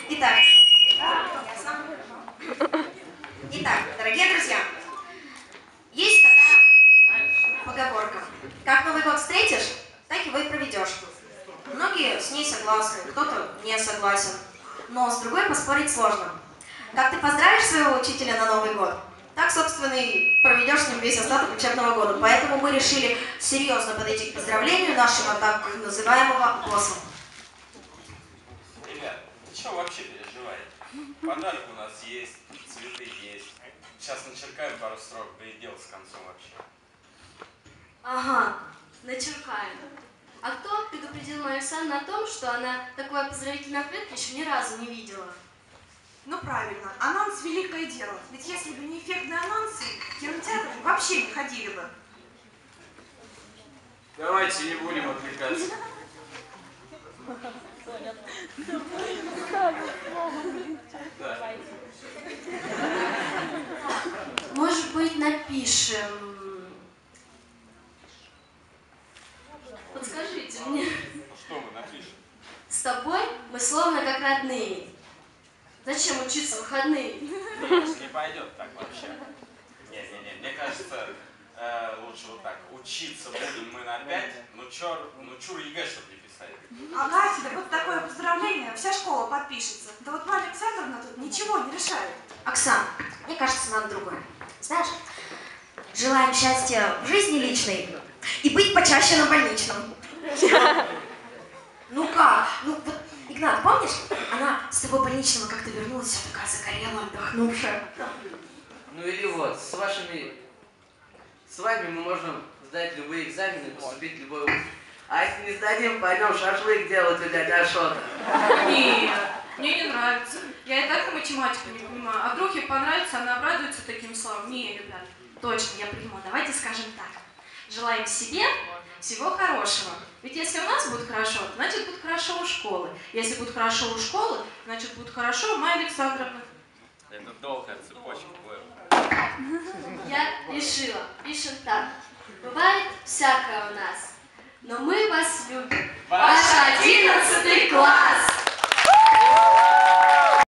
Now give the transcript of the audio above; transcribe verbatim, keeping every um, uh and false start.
Итак, Итак, дорогие друзья, есть такая поговорка. Как Новый год встретишь, так его и проведешь. Многие с ней согласны, кто-то не согласен. Но с другой поспорить сложно. Как ты поздравишь своего учителя на Новый год, так, собственно, и проведешь с ним весь остаток учебного года. Поэтому мы решили серьезно подойти к поздравлению нашего так называемого босса. Ребят, ты чего вообще переживаете? Подарок у нас есть, цветы есть. Сейчас начеркаем пару строк, да и дело с концом вообще. Ага, начеркаем. А кто предупредил мою Оксану о том, что она такой поздравительной ответки еще ни разу не видела? Ну правильно, анонс – великое дело. Ведь если бы не эффектные анонсы, кинотеатры вообще не ходили бы. Давайте не будем отвлекаться. Да. Может быть, напишем... Подскажите мне. Ну что мы напишем? С тобой мы словно как родные. Зачем учиться в выходные? Нет, не пойдет так вообще. Не-не-не, мне кажется, э, лучше вот так. Учиться будем мы на пять, ну чур, ну чур ЕГЭ, чтобы не писать. Ага, да вот такое поздравление, вся школа подпишется. Да вот Марья Александровна тут ничего не решает. Оксан, мне кажется, надо другое. Знаешь, желаем счастья в жизни личной и быть почаще на больничном. Ну как? Ну вот, Игнат, помнишь? Она с тобой больничного как-то вернулась, вся такая загорелая, отдохнувшая. Ну или вот, с вашими... С вами мы можем сдать любые экзамены, поступить в любой вуз. А если не сдадим, пойдем шашлык делать у дяди Ашота. Нет, мне не нравится. Я и так и математику не понимаю. А вдруг ей понравится, она обрадуется таким словам. Не, ребят. Точно, я приму. Давайте скажем так. Желаем себе всего хорошего. Ведь если у нас будет хорошо, значит будет хорошо у школы. Если будет хорошо у школы, значит будет хорошо у Майи Александровны. Это долгая цепочка была. Я решила. Пишем так. Бывает всякое у нас. Но мы вас любим. Ваш одиннадцатый класс!